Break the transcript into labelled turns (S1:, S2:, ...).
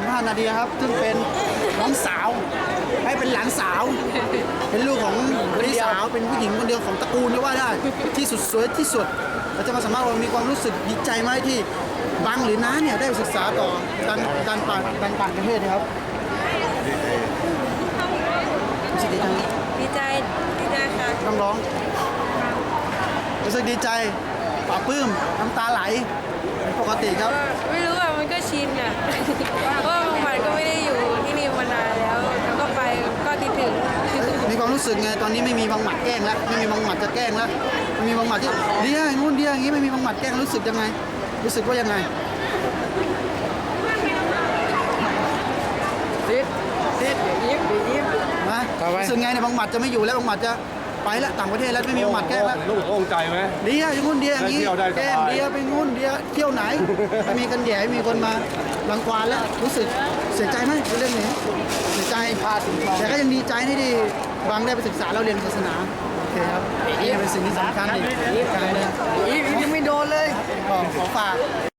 S1: 15 นาทีครับซึ่งเป็นน้องสาวให้เป็นหลานสาว เป็นลูกของพี่สาวเป็นผู้หญิงคนเดียวของตระกูลก็ว่าได้ที่สุดสวยที่สุดเราจะมาสัมภาษณ์ว่ามีความรู้สึกดีใจไหมที่บังหรือน้าเนี่ยได้ศึกษาต่อการปั่นประเทศนะครับรู้สึกดีใจไหม
S2: ดีใจค่ะ
S1: ต้องร้องรู้สึกดีใจปลาบปลื้มน้ำตาไหลเป็นปกติครับ
S2: ไม่รู้อ่ะมันก็ชินอ่ะ เพราะบางวันก็ไม่ได้อยู่ที่นี่มานานแล้วแล้วก็ไปก็คิดถึง
S1: มีความรู้สึกไงตอนนี้ไม่มีบางหมัดแกล้งแล้วไม่มีบางหมัดจะแกล้งแล้วไม่มีบางหมัดที่เดียวอย่างนู้นเดียวอย่างนี้ไม่มีบางหมัดแกล้งรู้สึกยังไงรู้สึกว่ายังไง
S2: ยิ้มยิ้ม
S1: นะรู้สึกไงเนี่ยบางหมัดจะไม่อยู่แล้วบางหมัดจะไปแล้วต่างประเทศแล้วไม่มีบางหมัดแกล้งแล้ว
S3: ลูกโล่งใจไหม
S1: เดียวอย่างนู้นเดียวอย่างนี้
S3: ได้เที่ยวได้สบาย
S1: แกล้งเดียวไปนู้นเดียวเที่ยวไหนไม่มีกันแย่ไม่มีคนมารังควานแล้วรู้สึกเสียใจไหมเรื่องนี้เสียใจแต่ก็ยังดีใจที่บางได้ไปศึกษาแล้วเรียนศาสนาโอเคครับนี่เป็นสิ่งที่สำคัญอีกการเลย
S2: ยิ้มไม่โดนเลย
S1: ขอฝาก